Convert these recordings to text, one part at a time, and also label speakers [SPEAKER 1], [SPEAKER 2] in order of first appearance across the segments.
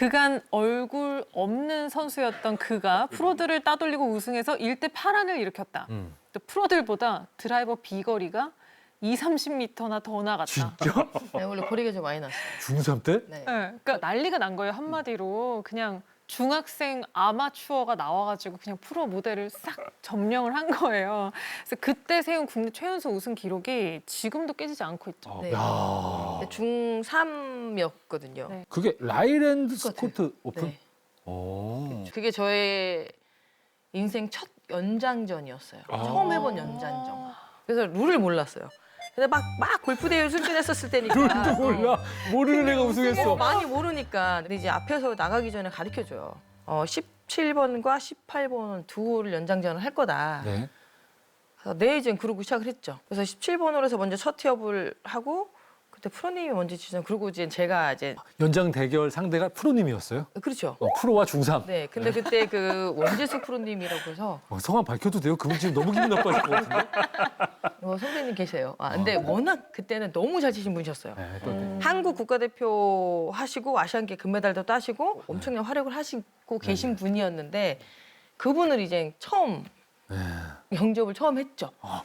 [SPEAKER 1] 그간 얼굴 없는 선수였던 그가 프로들을 따돌리고 우승해서 일대 파란을 일으켰다. 또 프로들보다 드라이버 비거리가 30m나 더 나갔다.
[SPEAKER 2] 진짜?
[SPEAKER 3] 네, 원래 거리가 좀 많이 났어요.
[SPEAKER 2] 중3 때?
[SPEAKER 3] 네.
[SPEAKER 1] 네, 그러니까 난리가 난 거예요. 한마디로 그냥 중학생 아마추어가 나와가지고 그냥 프로 무대를 싹 점령을 한 거예요. 그래서 그때 세운 국내 최연소 우승 기록이 지금도 깨지지 않고 있죠.
[SPEAKER 3] 네.
[SPEAKER 2] 야.
[SPEAKER 3] 중3이었거든요.
[SPEAKER 1] 네.
[SPEAKER 2] 그게 라이랜드
[SPEAKER 3] 스코트.
[SPEAKER 2] 스코트 오픈?
[SPEAKER 3] 네.
[SPEAKER 2] 오.
[SPEAKER 3] 그게 저의 인생 첫 연장전이었어요.
[SPEAKER 2] 아.
[SPEAKER 3] 처음 해본 연장전. 그래서 룰을 몰랐어요. 근데 막 골프 대회 출전했었을 때니까.
[SPEAKER 2] 룰도 몰라. 모르는 애가 우승했어.
[SPEAKER 3] 많이 모르니까. 근데 이제 앞에서 나가기 전에 가르쳐줘요. 17번과 18번 두 홀 연장전을 할 거다.
[SPEAKER 2] 네.
[SPEAKER 3] 그래서 네, 이제 그러고 시작을 했죠. 그래서 17번으로 해서 먼저 첫 티업을 하고 그때 프로님이 먼저 치죠. 그리고 이제 제가 이제
[SPEAKER 2] 연장 대결 상대가 프로님이었어요?
[SPEAKER 3] 그렇죠.
[SPEAKER 2] 프로와 중3.
[SPEAKER 3] 네, 근데 그때 그 원재수 프로님이라고 해서
[SPEAKER 2] 성함 밝혀도 돼요? 그분 지금 너무 기분 나빠질 것 같은데?
[SPEAKER 3] 선배님 계세요. 근데 워낙 그때는 너무 잘 치신 분이셨어요.
[SPEAKER 2] 네, 또 네.
[SPEAKER 3] 한국 국가대표 하시고 아시안게임 금메달도 따시고 엄청난 활약을 하시고 계신 분이었는데 그분을 이제 처음
[SPEAKER 2] 네.
[SPEAKER 3] 영접을 처음 했죠.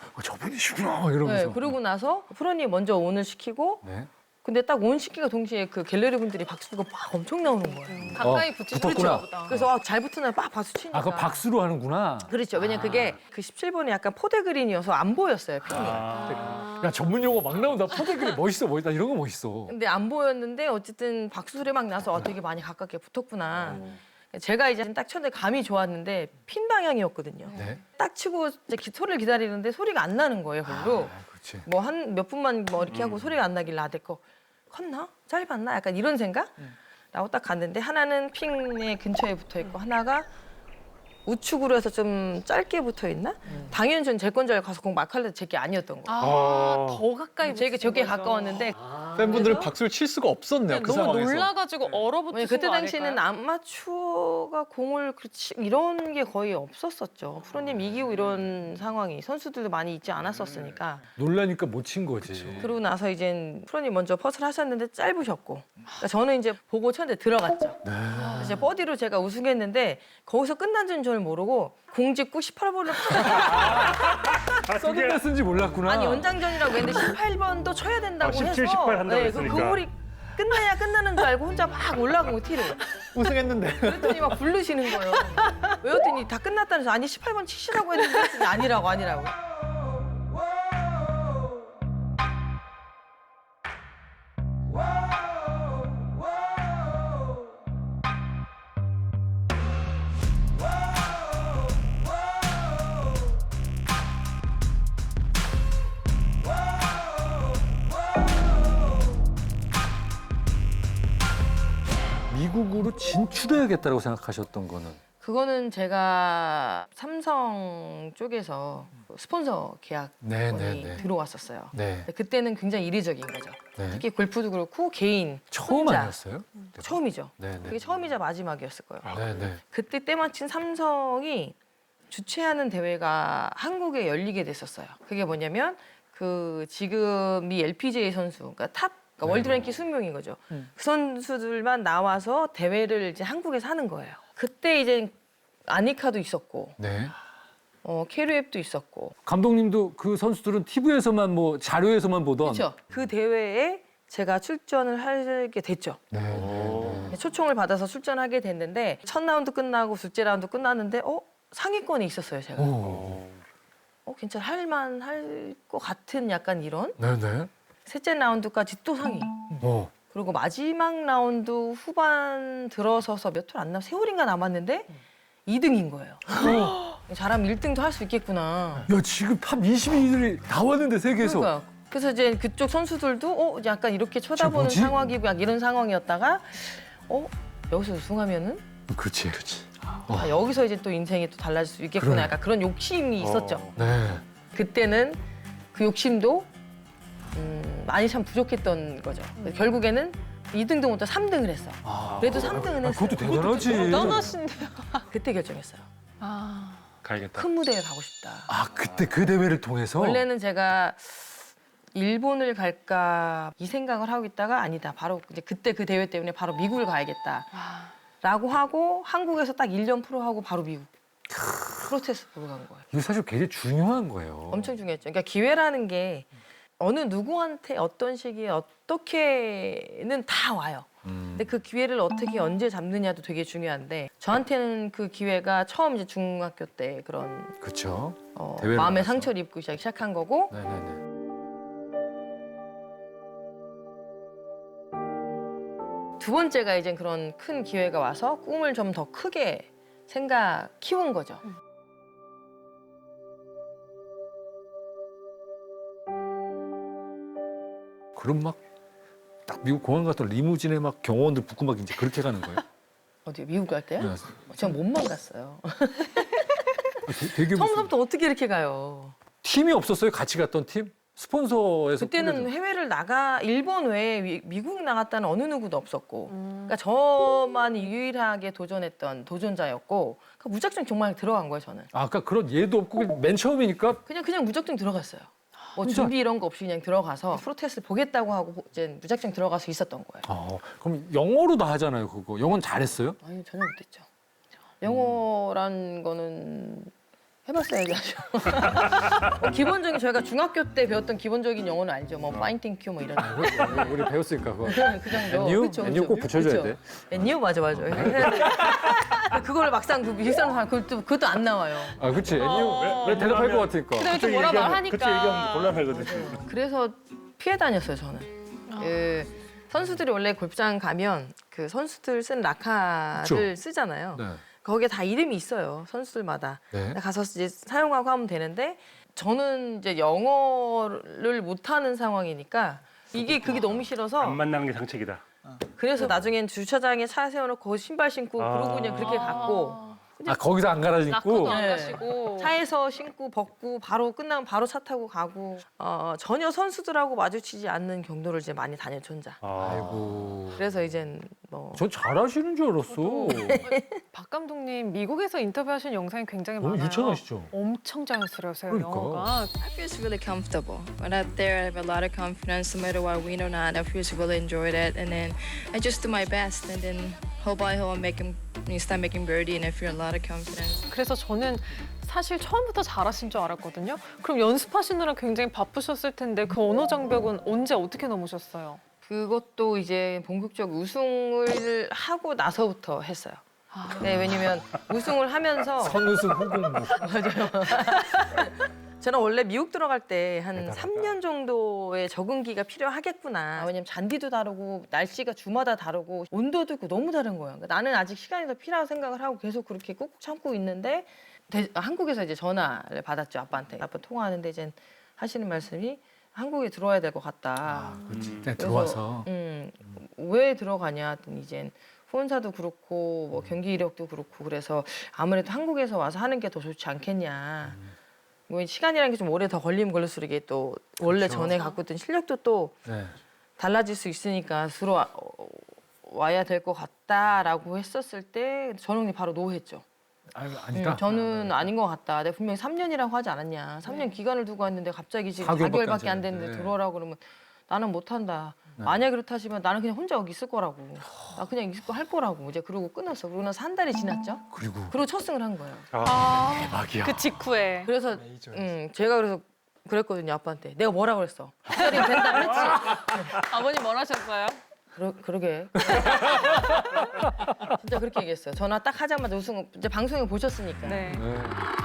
[SPEAKER 2] 저분이시구나 이러면서.
[SPEAKER 3] 네, 그러고 나서 프로님 먼저 온을 시키고
[SPEAKER 2] 네.
[SPEAKER 3] 근데 딱 온 시키가 동시에 그 갤러리 분들이 박수가 막 엄청 나오는 거예요.
[SPEAKER 1] 가까이 붙이셨나
[SPEAKER 2] 붙었구나.
[SPEAKER 1] 보다.
[SPEAKER 3] 그래서 잘 붙으면 막 박수 치니까.
[SPEAKER 2] 그거 박수로 하는구나.
[SPEAKER 3] 그렇죠. 왜냐면 그게 그 17번이 약간 포대 그린이어서 안 보였어요, 핀이.
[SPEAKER 2] 야, 전문 용어 막 나온다. 포대글이 멋있어. 이런 거 멋있어.
[SPEAKER 3] 근데 안 보였는데 어쨌든 박수 소리 막 나서 되게 많이 가깝게 붙었구나. 제가 이제 딱 쳤는데 감이 좋았는데 핀 방향이었거든요.
[SPEAKER 2] 네.
[SPEAKER 3] 딱 치고 이제 소리를 기다리는데 소리가 안 나는 거예요, 별로.
[SPEAKER 2] 그렇지.
[SPEAKER 3] 뭐 한 몇 분만 뭐 이렇게 하고 소리가 안 나길래 내 거 컸나? 짧았나? 약간 이런 생각? 라고 딱 갔는데 하나는 핀의 근처에 붙어 있고 하나가 우측으로 해서 좀 짧게 붙어 있나? 당연히 전 제 건 줄 알고 가서 공 막 할래 제게 아니었던 거예요.
[SPEAKER 1] 더 가까이
[SPEAKER 3] 제게 저게 가까웠는데
[SPEAKER 4] 팬분들은 박수를 칠 수가 없었네요. 그
[SPEAKER 1] 너무
[SPEAKER 4] 상황에서.
[SPEAKER 1] 놀라가지고 얼어붙으신
[SPEAKER 3] 왜냐면 그때
[SPEAKER 1] 거
[SPEAKER 3] 당시에는
[SPEAKER 1] 아닐까요?
[SPEAKER 3] 아마추어가 공을 그렇지 이런 게 거의 없었었죠. 프로님 이기고 이런 상황이 선수들도 많이 있지 않았었으니까.
[SPEAKER 2] 놀라니까 못 친 거지.
[SPEAKER 3] 그러고 나서 이제 프로님 먼저 퍼스를 하셨는데 짧으셨고 그러니까 저는 이제 보고 쳤는데 들어갔죠. 그래서 이제 버디로 제가 우승했는데 거기서 끝난 줄 저는 모르고 공 짚고 18번을
[SPEAKER 2] 써둔 쓴지 몰랐구나.
[SPEAKER 3] 아니 연장전이라고 했는데 18번도 쳐야 된다고
[SPEAKER 5] 17,
[SPEAKER 3] 해서
[SPEAKER 5] 18 한다고
[SPEAKER 3] 그
[SPEAKER 5] 했으니까.
[SPEAKER 3] 홀이 끝나야 끝나는 줄 알고 혼자 막 올라가고 티를
[SPEAKER 4] 우승했는데.
[SPEAKER 3] 그랬더니 막 부르시는 거예요. 왜였더니 다 끝났다는 서 아니 18번 치시라고 했는데 그랬더니 아니라고.
[SPEAKER 2] 미국으로 진출해야겠다고 생각하셨던 거는?
[SPEAKER 3] 그거는 제가 삼성 쪽에서 스폰서 계약이
[SPEAKER 2] 네.
[SPEAKER 3] 들어왔었어요.
[SPEAKER 2] 네.
[SPEAKER 3] 근데 그때는 굉장히 이례적인 거죠.
[SPEAKER 2] 네.
[SPEAKER 3] 특히 골프도 그렇고 개인
[SPEAKER 2] 처음
[SPEAKER 3] 혼자.
[SPEAKER 2] 아니었어요?
[SPEAKER 3] 처음이죠.
[SPEAKER 2] 네.
[SPEAKER 3] 그게 처음이자 마지막이었을 거예요.
[SPEAKER 2] 네.
[SPEAKER 3] 그때 때마침 삼성이 주최하는 대회가 한국에 열리게 됐었어요. 그게 뭐냐면 그 지금 미 LPGA 선수, 그러니까 탑 그러니까 월드 랭킹 20명인 거죠. 그 선수들만 나와서 대회를 이제 한국에서 하는 거예요. 그때 이제 아니카도 있었고,
[SPEAKER 2] 네.
[SPEAKER 3] 캐리앱도 있었고,
[SPEAKER 2] 감독님도 그 선수들은 TV에서만 뭐 자료에서만 보던.
[SPEAKER 3] 그렇죠. 그 대회에 제가 출전을 하게 됐죠.
[SPEAKER 2] 네.
[SPEAKER 3] 초청을 받아서 출전하게 됐는데 첫 라운드 끝나고 둘째 라운드 끝났는데 상위권에 있었어요, 제가.
[SPEAKER 2] 오.
[SPEAKER 3] 괜찮아, 할만할 것 같은 약간 이런.
[SPEAKER 2] 네네.
[SPEAKER 3] 셋째 라운드까지 또 상위. 그리고 마지막 라운드 후반 들어서서 몇 홀 안 남, 세 홀인가 남았는데 2등인 거예요. 잘하면 1등도 할 수 있겠구나.
[SPEAKER 2] 야, 지금 탑 22들이 나왔는데 세계에서.
[SPEAKER 3] 그러니까. 그래서 이제 그쪽 선수들도 약간 이렇게 쳐다보는
[SPEAKER 2] 뭐지?
[SPEAKER 3] 상황이고 약 이런 상황이었다가 여기서 우승하면은
[SPEAKER 2] 그렇지.
[SPEAKER 3] 여기서 이제 또 인생이 또 달라질 수 있겠구나.
[SPEAKER 2] 그러네.
[SPEAKER 3] 약간 그런 욕심이 있었죠.
[SPEAKER 2] 네.
[SPEAKER 3] 그때는 그 욕심도 많이 참 부족했던 거죠. 결국에는 2등도 못해 3등을 했어. 그래도 3등은 했어요.
[SPEAKER 2] 그것도 대단하지.
[SPEAKER 1] 대단하신데요.
[SPEAKER 3] 그때 결정했어요.
[SPEAKER 5] 가야겠다.
[SPEAKER 3] 큰 무대에 가고 싶다.
[SPEAKER 2] 그때 그 대회를 통해서.
[SPEAKER 3] 원래는 제가 일본을 갈까 이 생각을 하고 있다가 아니다. 바로 이제 그때 그 대회 때문에 바로 미국을 가야겠다. 라고 하고 한국에서 딱 1년 프로하고 바로 미국 프로테스트 보러 간 거예요.
[SPEAKER 2] 이거 사실 굉장히 중요한 거예요.
[SPEAKER 3] 엄청 중요했죠. 그러니까 기회라는 게 어느 누구한테 어떤 시기에 어떻게는 다 와요. 근데 그 기회를 어떻게 언제 잡느냐도 되게 중요한데 저한테는 그 기회가 처음 이제 중학교 때 그런
[SPEAKER 2] 그렇죠. 대회를
[SPEAKER 3] 마음의
[SPEAKER 2] 나가서.
[SPEAKER 3] 상처를 입고 시작한 거고
[SPEAKER 2] 네네네.
[SPEAKER 3] 두 번째가 이제 그런 큰 기회가 와서 꿈을 좀 더 크게 키운 거죠.
[SPEAKER 2] 그럼 막 딱 미국 공항 갔던 리무진에 막 경호원들 붙고 막 이제 그렇게 가는 거예요?
[SPEAKER 3] 어디 미국 갈 때요?
[SPEAKER 2] 네.
[SPEAKER 3] 전 몸만 갔어요.
[SPEAKER 2] 되게 무슨
[SPEAKER 3] 처음부터 어떻게 이렇게 가요?
[SPEAKER 2] 팀이 없었어요? 같이 갔던 팀? 스폰서에서
[SPEAKER 3] 그때는
[SPEAKER 2] 꾸며준.
[SPEAKER 3] 해외를 일본 외에 미국 나갔다는 어느 누구도 없었고, 그러니까 저만 유일하게 도전했던 도전자였고, 그러니까 무작정 정말 들어간 거예요 저는.
[SPEAKER 2] 아까 그런 예도 없고 맨 처음이니까
[SPEAKER 3] 그냥 무작정 들어갔어요. 뭐
[SPEAKER 2] 진짜?
[SPEAKER 3] 준비 이런 거 없이 그냥 들어가서 프로테스트 보겠다고 하고 이제 무작정 들어가서 있었던 거예요.
[SPEAKER 2] 그럼 영어로 다 하잖아요 그거. 영어는 잘했어요?
[SPEAKER 3] 아니 전혀 못했죠. 영어란 거는 해봤어야지 하죠. 기본적인 저희가 중학교 때 배웠던 기본적인 영어는 알죠. 뭐 파인 땡큐 뭐 이런 거.
[SPEAKER 2] 우리 배웠으니까 그거.
[SPEAKER 3] 그 정도.
[SPEAKER 2] 엔유?
[SPEAKER 3] 그쵸,
[SPEAKER 2] 엔유
[SPEAKER 3] 그쵸.
[SPEAKER 2] 꼭 붙여줘야
[SPEAKER 3] 그쵸.
[SPEAKER 2] 돼.
[SPEAKER 3] 엔유 맞아. 해야 돼. 그걸 막상 그 비싼 사람 그것도 안 나와요.
[SPEAKER 2] 아 그치 엔유. 왜 대답할 것 같으니까.
[SPEAKER 1] 근데 좀 뭐라 말하니까.
[SPEAKER 5] 그치 얘기하면 곤란하거든.
[SPEAKER 3] 그래서 피해 다녔어요 저는. 그 선수들이 원래 골프장 가면 그 선수들 쓴 라카를
[SPEAKER 2] 그쵸.
[SPEAKER 3] 쓰잖아요.
[SPEAKER 2] 네.
[SPEAKER 3] 거기에 다 이름이 있어요 선수들마다.
[SPEAKER 2] 네.
[SPEAKER 3] 가서 이제 사용하고 하면 되는데 저는 이제 영어를 못하는 상황이니까 그게 너무 싫어서
[SPEAKER 5] 안 만나는 게 상책이다.
[SPEAKER 3] 그래서 나중엔 주차장에 차 세워놓고 거기 신발 신고 그러고 그냥 그렇게 갔고
[SPEAKER 2] 아 거기서 안 갈아
[SPEAKER 1] 낙고도
[SPEAKER 2] 신고.
[SPEAKER 1] 안
[SPEAKER 3] 네.
[SPEAKER 1] 가시고.
[SPEAKER 3] 차에서 신고 벗고 바로 끝나면 바로 차 타고 가고 전혀 선수들하고 마주치지 않는 경로를 이제 많이 다녔죠 혼자.
[SPEAKER 2] 아이고.
[SPEAKER 3] 그래서 이젠 뭐
[SPEAKER 2] 전 잘하시는 줄 알았어.
[SPEAKER 1] 박 감독님 미국에서 인터뷰하신 영상이 굉장히
[SPEAKER 2] 너무
[SPEAKER 1] 많아요.
[SPEAKER 2] 유창하시죠?
[SPEAKER 1] 엄청 자연스러우세요
[SPEAKER 2] 그러니까.
[SPEAKER 1] 영어가.
[SPEAKER 6] I feel really comfortable. When out there, I have a lot of confidence. No matter what win or not, I feel really enjoyed it. And then I just do my best. And then hole by hole, start making birdie, and I feel a lot of confidence.
[SPEAKER 1] 그래서 저는 사실 처음부터 잘하신 줄 알았거든요. 그럼 연습하시느라 굉장히 바쁘셨을 텐데 그 언어 장벽은 언제 어떻게 넘으셨어요?
[SPEAKER 3] 그것도 이제 본격적 우승을 하고 나서부터 했어요. 네, 왜냐면 우승을 하면서
[SPEAKER 2] 선우승 후공무.
[SPEAKER 3] 저는 원래 미국 들어갈 때 한
[SPEAKER 2] 대단하다.
[SPEAKER 3] 3년 정도의 적응기가 필요하겠구나. 왜냐면 잔디도 다르고 날씨가 주마다 다르고 온도도 있고 너무 다른 거예요. 그러니까 나는 아직 시간이 더 필요하다고 생각을 하고 계속 그렇게 꾹꾹 참고 있는데 한국에서 이제 전화를 받았죠 아빠한테. 아빠 통화하는데 이제 하시는 말씀이 한국에 들어와야 될 것 같다.
[SPEAKER 2] 그렇지. 네,
[SPEAKER 3] 그래서,
[SPEAKER 2] 들어와서.
[SPEAKER 3] 왜 들어가냐 했더니 이젠 후원사도 그렇고 뭐 경기 이력도 그렇고 그래서 아무래도 한국에서 와서 하는 게 더 좋지 않겠냐. 뭐 시간이라는 게 좀 오래 더 걸리면 걸릴수록 이게 또 원래
[SPEAKER 2] 그렇죠.
[SPEAKER 3] 전에 갖고 있던 실력도 또
[SPEAKER 2] 네.
[SPEAKER 3] 달라질 수 있으니까 들어와야 될 것 같다라고 했었을 때 전웅이 바로 노했죠.
[SPEAKER 2] 아니다.
[SPEAKER 3] 저는 아닌 것 같다. 내가 분명히 3년이라고 하지 않았냐. 3년 기간을 두고 왔는데 갑자기 지금
[SPEAKER 2] 4개월밖에
[SPEAKER 3] 4개월밖에 안
[SPEAKER 2] 안
[SPEAKER 3] 됐는데
[SPEAKER 2] 됐는데.
[SPEAKER 3] 들어오라고 그러면 나는 못한다. 만약에 그렇다시면 나는 그냥 혼자 여기 있을 거라고. 나 그냥 있을 거 할 거라고. 이제 그러고 끊었어. 그러고 나서 한 달이 지났죠. 그리고 첫 승을 한 거예요.
[SPEAKER 2] 대박이야.
[SPEAKER 1] 그 직후에.
[SPEAKER 3] 그래서 제가 그래서 그랬거든요 아빠한테. 내가 뭐라 그랬어? 한 달이면 된다 그랬지.
[SPEAKER 1] 아버님 뭘 하셨어요?
[SPEAKER 3] 그러게. 진짜 그렇게 얘기했어요. 전화 딱 하자마자 우승 이제 방송에 보셨으니까.
[SPEAKER 1] 네.
[SPEAKER 2] 네.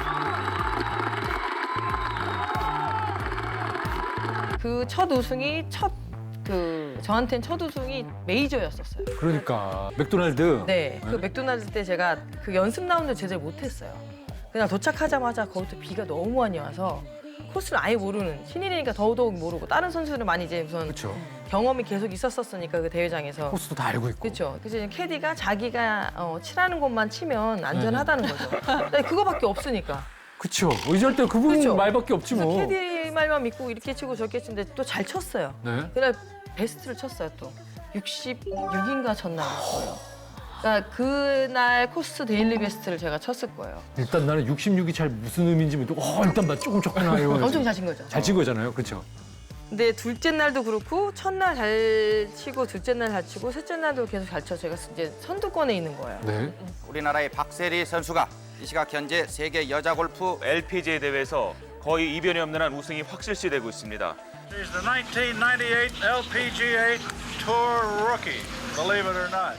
[SPEAKER 3] 그 첫 우승이 저한테는 첫 우승이 메이저였었어요.
[SPEAKER 2] 그러니까 맥도날드.
[SPEAKER 3] 네. 그 맥도날드 때 제가 그 연습 라운드 제대로 못했어요. 그냥 도착하자마자 거기서 비가 너무 많이 와서 코스를 아예 모르는 신인이니까 더더욱 모르고 다른 선수들은 많이 이제 우선
[SPEAKER 2] 그렇죠.
[SPEAKER 3] 경험이 계속 있었었으니까 그 대회장에서.
[SPEAKER 2] 코스도 다 알고 있고.
[SPEAKER 3] 그렇죠. 그래서 이제 캐디가 자기가 치라는 것만 치면 안전하다는 거죠. 근데 그거밖에 없으니까.
[SPEAKER 2] 그렇죠. 의지할 때 그분
[SPEAKER 3] 그쵸.
[SPEAKER 2] 말밖에 없지
[SPEAKER 3] 그래서
[SPEAKER 2] 뭐.
[SPEAKER 3] 캐디 말만 믿고 이렇게 치고 저렇게 치는데 또 잘 쳤어요.
[SPEAKER 2] 네.
[SPEAKER 3] 그날 베스트를 쳤어요 또. 66인가 쳤나 그랬어요. 그러니까 그날 코스 데일리 베스트를 제가 쳤을 거예요.
[SPEAKER 2] 일단 나는 66이 잘 무슨 의미인지 모르고 일단 나 조금 쳤구나 이러면서.
[SPEAKER 3] 엄청 잘 친 거죠.
[SPEAKER 2] 잘 친 거잖아요. 그렇죠.
[SPEAKER 3] 근데 둘째 날도 그렇고 첫날 잘 치고 둘째 날 잘 치고 셋째 날도 계속 잘 쳐서 제가 이제 선두권에 있는 거예요.
[SPEAKER 2] 네.
[SPEAKER 7] 우리나라의 박세리 선수가 이 시각 현재 세계 여자 골프
[SPEAKER 8] LPGA 대회에서 거의 이변이 없는 한 우승이 확실시되고 있습니다.
[SPEAKER 9] He's the 1998 LPGA Tour rookie, believe it or not.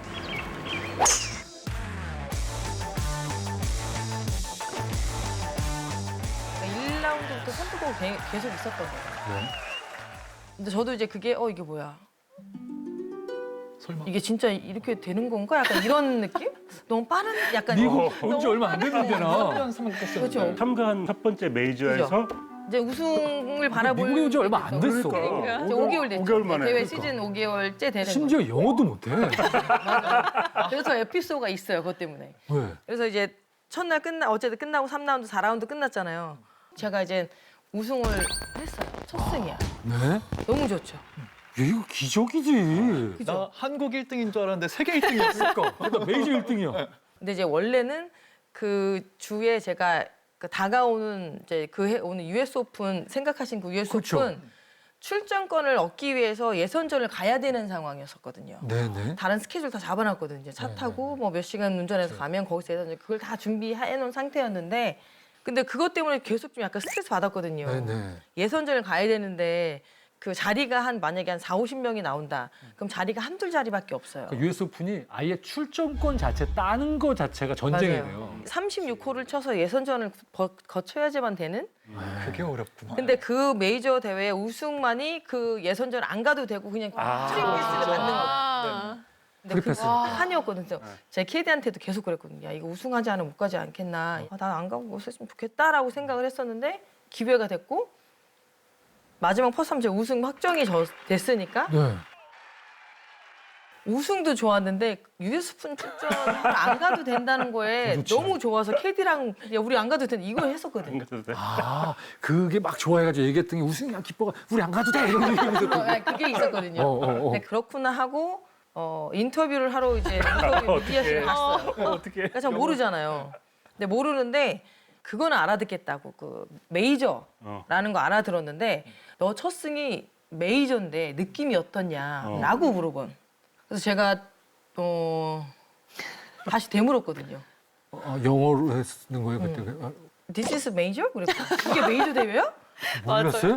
[SPEAKER 3] 그러니까 1라운드부터 선두권 계속 있었던 거예요.
[SPEAKER 2] 네.
[SPEAKER 3] 근데 저도 이제 그게 이게 뭐야?
[SPEAKER 4] 설마.
[SPEAKER 3] 이게 진짜 이렇게 되는 건가? 약간 이런 느낌? 너무 빠른 약간
[SPEAKER 2] 미국
[SPEAKER 3] 너무
[SPEAKER 2] 온지 얼마 안 됐는데 나.
[SPEAKER 3] 그렇죠.
[SPEAKER 5] 참가한 첫 번째 메이저에서
[SPEAKER 3] 이제 우승을 바라볼
[SPEAKER 2] 미국에 온지 얼마 안 됐어.
[SPEAKER 3] 그러니까. 이제 5개월 됐죠.
[SPEAKER 5] 5개월 만에.
[SPEAKER 3] 대회
[SPEAKER 5] 그러니까.
[SPEAKER 3] 시즌 5개월째 되는 거죠.
[SPEAKER 2] 심지어 영어도 못해.
[SPEAKER 3] 그래서 에피소드가 있어요. 그것 때문에.
[SPEAKER 2] 왜?
[SPEAKER 3] 그래서 이제 첫날 어쨌든 끝나고 3라운드, 4라운드 끝났잖아요. 제가 이제 우승을 했어요. 첫 승이야.
[SPEAKER 2] 네?
[SPEAKER 3] 너무 좋죠.
[SPEAKER 2] 야, 이거 기적이지.
[SPEAKER 4] 나 한국 1등인 줄 알았는데 세계 1등이었어.
[SPEAKER 2] 그러니까 메이저 1등이야.
[SPEAKER 3] 근데 이제 원래는 그 주에 제가 그 다가오는 이제 오는 US 오픈 생각하신 그 US
[SPEAKER 2] 그렇죠.
[SPEAKER 3] 오픈 출전권을 얻기 위해서 예선전을 가야 되는 상황이었었거든요.
[SPEAKER 2] 네네.
[SPEAKER 3] 다른 스케줄 다 잡아놨거든요. 이제 차 타고 뭐 몇 시간 운전해서 가면 거기서 예선전 그걸 다 준비해 놓은 상태였는데 근데 그것 때문에 계속 좀 약간 스트레스 받았거든요.
[SPEAKER 2] 네네.
[SPEAKER 3] 예선전을 가야 되는데 그 자리가 만약에 한 40~50명이 나온다. 그럼 자리가 한둘 자리밖에 없어요.
[SPEAKER 2] 그러니까 US 오픈이 아예 출전권 자체 따는 거 자체가 전쟁이에요.
[SPEAKER 3] 36홀을 쳐서 예선전을 거쳐야지만 되는?
[SPEAKER 4] 그게 어렵구나.
[SPEAKER 3] 근데 그 메이저 대회 우승만이 그 예선전 안 가도 되고 그냥 프리패스를 받는 거예요.
[SPEAKER 1] 아,
[SPEAKER 3] 근데
[SPEAKER 2] 프리패스.
[SPEAKER 3] 그거 한이었거든요. 그래서 제 캐디한테도 계속 그랬거든요. 야, 이거 우승하지 않으면 못 가지 않겠나. 난 안 가고 있었으면 좋겠다라고 생각을 했었는데 기회가 됐고 마지막 퍼스함 제가 우승 확정이 됐으니까
[SPEAKER 2] 네.
[SPEAKER 3] 우승도 좋았는데 US 오픈 출전 안 가도 된다는 거에
[SPEAKER 2] 좋지.
[SPEAKER 3] 너무 좋아서 캐디랑 야 우리 안 가도 된다 이거 했었거든요.
[SPEAKER 2] 아, 그게 막 좋아해가지고 얘기했더니 우승이 기뻐가 우리 안 가도 돼 이런 얘기하면서
[SPEAKER 3] 그게 있었거든요. 근데 그렇구나 하고 인터뷰를 하로 이제 인터뷰 미디어실에 갔어요.
[SPEAKER 5] 어떻게?
[SPEAKER 3] 그러니까 저 모르잖아요. 근데 모르는데 그거는 알아듣겠다고 그 메이저라는 거 알아들었는데 너 첫 승이 메이저인데 느낌이 어떻냐라고 물어본. 그래서 제가 다시 되물었거든요.
[SPEAKER 2] 영어로 했는 거예요 그때.
[SPEAKER 3] This is major? 그랬고 이게 메이저 대회야?
[SPEAKER 2] 몰랐어요?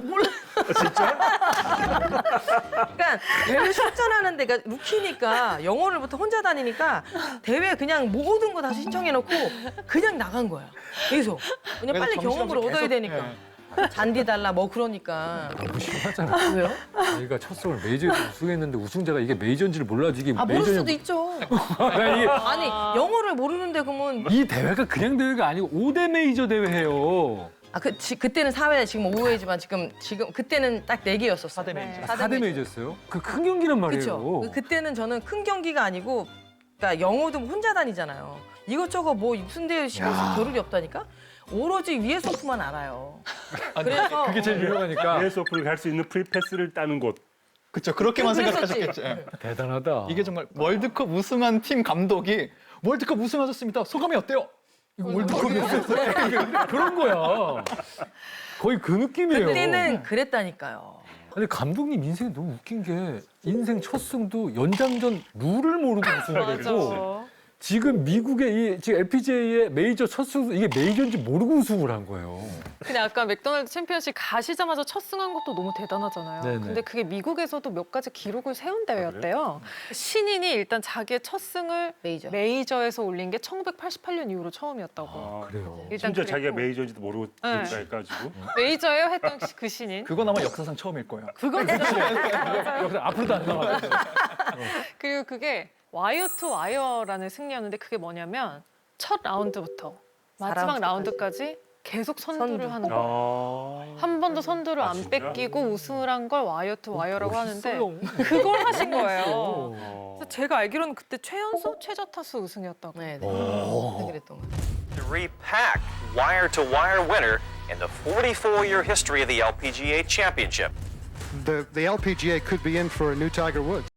[SPEAKER 3] 그러니까 대회 출전하는 데가 루키니까 영어를부터 혼자 다니니까 대회 그냥 모든 거 다 신청해놓고 그냥 나간 거야. 계속. 그냥 빨리 경험을 얻어야 되니까. 잔디 달라 뭐 그러니까.
[SPEAKER 2] 너무 심하잖아.
[SPEAKER 3] 왜요?
[SPEAKER 2] 자기가 첫 승을 메이저에서 우승했는데 우승자가 이게 메이저인지를 몰라지 이게
[SPEAKER 3] 모를
[SPEAKER 2] 메이저냐.
[SPEAKER 3] 수도 있죠.
[SPEAKER 2] 야, 이게
[SPEAKER 3] 아니 영어를 모르는데 그러면
[SPEAKER 2] 이 대회가 그냥 대회가 아니고 5대 메이저 대회예요.
[SPEAKER 3] 그때는 4회 지금 5회지만 지금 그때는 딱 4개였었어요.
[SPEAKER 4] 4대 메이저.
[SPEAKER 2] 4대 메이저였어요? 그 큰 경기란 말이에요.
[SPEAKER 3] 그렇죠. 그때는 저는 큰 경기가 아니고 그러니까 영어도 혼자 다니잖아요. 이것저것 뭐 무슨 대회 시켜서 겨를이 없다니까. 오로지 위에서 오프만 알아요. 그래서
[SPEAKER 2] 그게 제일 유명하니까.
[SPEAKER 5] US 오픈을 갈 수 있는 프리패스를 따는 곳.
[SPEAKER 4] 그렇죠. 그렇게만
[SPEAKER 3] 그랬었지.
[SPEAKER 4] 생각하셨겠지.
[SPEAKER 2] 대단하다.
[SPEAKER 4] 이게 정말 월드컵 우승한 팀 감독이 월드컵 우승하셨습니다. 소감이 어때요?
[SPEAKER 2] 이거 월드컵이었어요. 그런 거야. 거의 그 느낌이에요.
[SPEAKER 3] 그때는 그랬다니까요.
[SPEAKER 2] 근데 감독님 인생이 너무 웃긴 게 인생 첫 승도 연장전 룰을 모르고 우승하게 되고
[SPEAKER 1] 맞아.
[SPEAKER 2] 지금 미국의 지금 LPGA의 메이저 첫 승 이게 메이저인지 모르고 우승을 한 거예요.
[SPEAKER 1] 근데 아까 맥도날드 챔피언십 가시자마자 첫 승한 것도 너무 대단하잖아요.
[SPEAKER 2] 네네.
[SPEAKER 1] 근데 그게 미국에서도 몇 가지 기록을 세운 대회였대요. 신인이 일단 자기의 첫 승을
[SPEAKER 3] 메이저.
[SPEAKER 1] 메이저에서 올린 게 1988년 이후로 처음이었다고.
[SPEAKER 2] 그래요.
[SPEAKER 1] 일단
[SPEAKER 5] 심지어 자기가
[SPEAKER 1] 그랬고.
[SPEAKER 5] 메이저인지도 모르고
[SPEAKER 1] 네.
[SPEAKER 5] 해가지고.
[SPEAKER 1] 메이저예요 했던 그 신인.
[SPEAKER 4] 그건 아마 역사상 처음일 거예요.
[SPEAKER 1] 그건 진짜.
[SPEAKER 2] 여기서 앞으로도 안 나와.
[SPEAKER 1] 그리고 그게 와이어 투 와이어라는 승리였는데 그게 뭐냐면 첫 라운드부터 마지막
[SPEAKER 3] 4라운드까지.
[SPEAKER 1] 라운드까지 계속 선두를 하는 거예요. 한 번도 선두를 안
[SPEAKER 5] 진짜?
[SPEAKER 1] 뺏기고 우승을 한 걸 와이어 투 와이어라고 하는데
[SPEAKER 2] 멋있어요.
[SPEAKER 1] 그걸 하신 거예요.
[SPEAKER 5] 어.
[SPEAKER 1] 그래서 제가 알기로는 그때 최연소 최저타수 우승이었다고.
[SPEAKER 3] 네, 그랬던 거.
[SPEAKER 10] Three-pack wire-to-wire winner in the 44-year history of the LPGA Championship.
[SPEAKER 11] The LPGA could be in for a new Tiger Woods.